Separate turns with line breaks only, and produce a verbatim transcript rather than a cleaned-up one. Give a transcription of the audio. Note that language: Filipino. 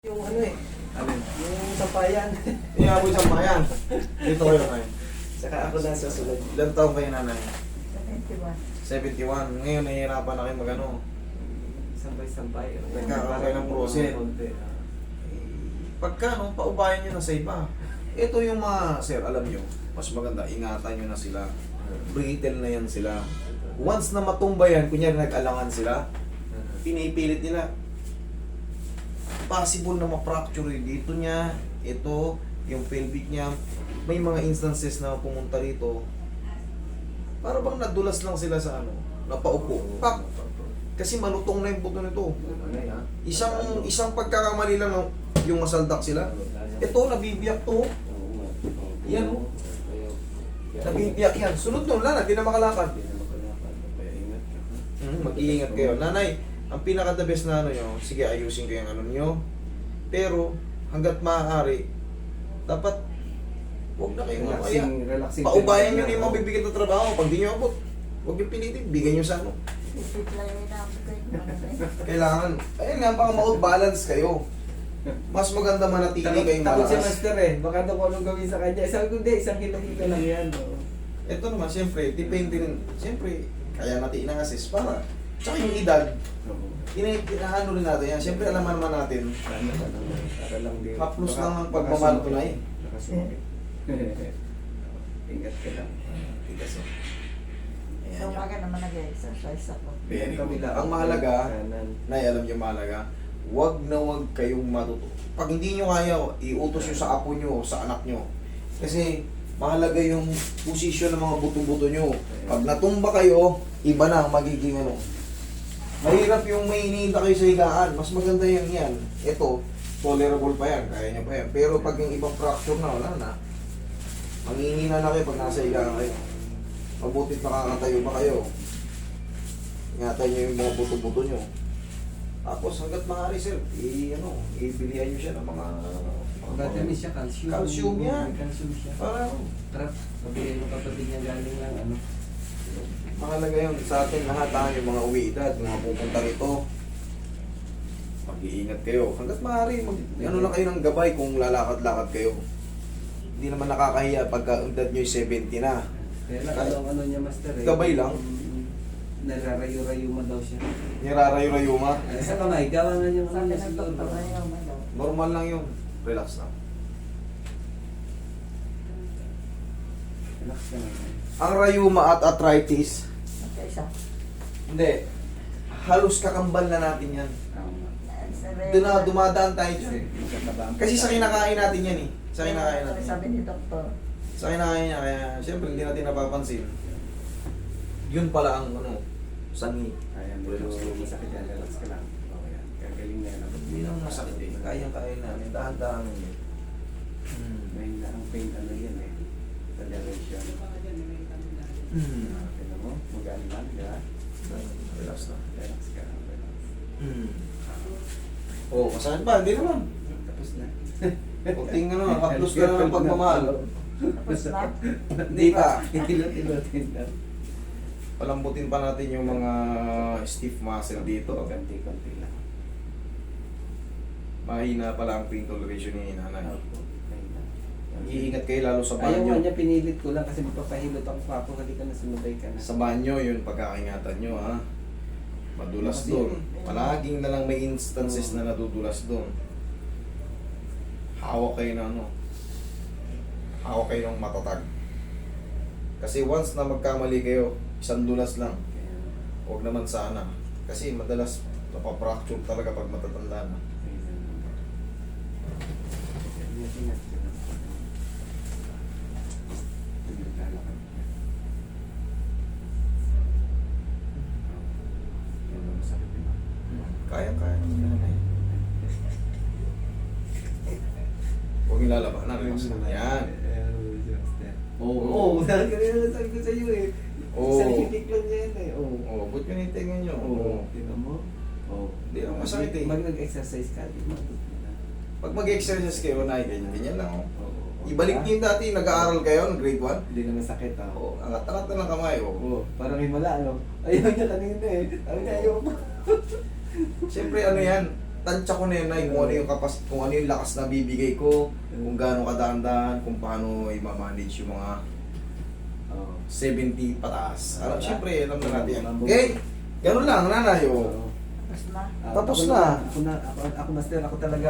Yung ano eh,
Alin?
yung sampayan.
Iyaboy sa bayan. Dito kayo kayo.
Saka ako na sa sunod.
Ilan taong kayo nanay?
seventy-one.
seventy-one. Ngayon nahihirapan na kayo magano.
Sampay-sampay.
Nagkakaroon ng prosen. Pagka no, paubayan nyo na sa iba. Ito yung mga, sir, alam nyo, mas maganda, ingatan nyo na sila. Brittle na yan sila. Once na matumba yan, kunyari nag-alangan sila, pinipilit nila. Possible na ma-fracture yung dito niya, ito, yung pelvic niya. May mga instances na pumunta rito, para bang nadulas lang sila sa ano, napaupo. Pak! Kasi malutong na yung buto nito. Isang isang pagkakamali lang ng- yung masaldak sila. Ito, nabibiyak to. Yan o. Nabibiyak yan. Sunod nun, wala na, di na makalakad. Hmm, mag-iingat kayo. Nanay, ang pinaka-the best na ano nyo, sige ayusin ko yung ano nyo. Pero, hanggat maaari, dapat, huwag na kayong mamaya.
Relaxing, relaxing.
Paubayan nyo na yung mabibigat na trabaho. Pag di nyo abot, huwag nyo pilitin, bigyan nyo sa ano.
Isip lang yung inaabot ko.
Kailangan, ayun nga, baka ma-balance kayo. Mas maganda manatili
Takot,
kayong
takot si
malakas.
Master eh. Baka daw kung anong gawin sa kanya. Sabi ko, hindi, isang kilo-kilo lang yan. Oh.
Ito naman, siyempre, depende rin. Siyempre, kaya natin ina-assist para. Tsaka yung edad, ina- inaano rin natin yan. Siyempre, alam naman natin,
Ano ba naman? Para lang din.
haplos
Baka-
lang ang
baka
pagmamahal ko
sumukit.
na eh.
Baka sumukit. Ingat ka lang.
Tigas oh. Ayan
So,
yun.
umaga naman nag-exercise ako.
Very good.
Kabila.
Ang mahalaga,
Kanan.
Nay, alam niyo mahalaga, wag na wag kayong matuto. Pag hindi nyo kaya, iutos nyo sa apo nyo, sa anak nyo. Kasi mahalaga yung posisyon ng mga buto-buto nyo. Pag natumba kayo, iba na ang magiging ano. Mahirap yung may iniinda kayo sa higaan. Mas maganda yan yan. Ito, tolerable pa yan. Kaya nyo pa yan. Pero pag yung ibang fracture na, wala na. Mangingina na kayo pag nasa higaan kayo. Mabutit nakakatayo pa kayo. Ingatan nyo yung mga buto-buto nyo. Tapos hanggat maaari sir, i ano, ibilihan nyo siya ng mga
Vitamin siya, calcium.
Calcium yan.
May calcium siya.
para
Trap. Sabihin mo kapatid niya galing lang ano.
mahalaga yun sa atin lahat ha, yung mga uwi-edad, mga pupunta rito. Mag-iingat kayo. Hanggat maaari, mag, ano lang kayo ng gabay kung lalakad-lakad kayo. Hindi naman nakakahiya pagka edad nyo yung seventy na.
Kaya lang, ano, ano niya master eh.
Gabay lang.
Mm, Nararayo-rayo mo daw siya.
Nirarayo-rayo ma.
Ay, sa kamay, gawa nga niya
Sabi
mga
ng doktor na yung ano.
Normal lang yun. Relax lang.
Relax ka naman.
Ang rayuma at arthritis,
Magkaisa.
hindi. Halos kakambal na natin yan.
Tama.
Doon na dumadaan tayo
Kasi,
dyan.
magkakabahan
Kasi sa kinakain natin yan eh. Sa
Kaya
kinakain natin.
Sabi ni doktor.
Sa kinakain niya, kaya siyempre hindi natin napapansin. Yun pala ang ano, sangi.
Ayan, medyo masakit yan. Relax ka lang. Okay yan. Gagaling na yan.
Hindi naman masakit eh. Kayang-kaya namin. Dahan-dahan yun. Hmm.
May na ang pain ano yan eh. Toleration.
Hmm.
Kaya mo, magaan lang, di ba?
Relax na.
Relax ka lang, relax.
Hmm. Oh, masakit ba? Hindi naman.
Tapos na.
Kunting ano, haplos ka na ng pagmamahal.
Tapos na.
Hindi pa.
Itilot-ilotin na.
Palambutin pa natin yung mga stiff muscle dito.
Konti-konti lang.
Mahina pala ang pain toleration ni nanay.
Opo, ayun na.
Iingat kayo lalo sa
Ayaw nga
banyo.
niya, pinilit ko lang kasi magpapahilot ako pa ako. Halika na, sumabay ka na.
Sa banyo, yun pagkakaingatan nyo ha. Madulas doon. Palaging na lang may instances na nadudulas doon. Hawak kayo na ano. Hawak kayo ng matatag. Kasi once na magkamali kayo, isang dulas lang.
Kaya,
Huwag naman sana. Kasi madalas napapracture talaga pag matatanda na.
ayun na. Ingat-ingat ka lang. Tumiglalakad ka. Yan ang masakit, di ba?
Kaya-kaya. Huwag yung lalabanan. Relax lang. Yan.
Oo, oh, oh, dahil kanina sabi ko sa iyo eh.
Oo.
Sa titik lang niya yan eh. Oo.
Oh, ba't yun yung tingin nyo?
Oo. Tingnan mo? Oo.
Hindi naman masakit eh.
Mag nag-exercise ka, di ba?
Pag mag-exercise kayo, na ganyan, ganyan lang. Oh.
Oo.
Ibalik niyo yung dati, nag-aaral kayo ng grade one.
Hindi naman sakit ah.
Oo, angat-angat na lang kamay. Oh.
Oo. Parang himala, ano? Ayaw niya kanina eh. Sabi niya ayaw pa.
Siyempre ano yan, tansya ko na yun, Nay, kung ano yung kapas, kung ano yung lakas na bibigay ko, kung gaano kadaan-daan, kung paano i-manage yung mga
Oo.
seventy pataas. Alam,
Wala.
syempre, alam na natin yan.
Mabuk-
Okay, ganun lang, nanay, oh.
Oo.
Tapos na.
Ah,
Tapos
ako
na.
Ako na, ako, ako master, ako talaga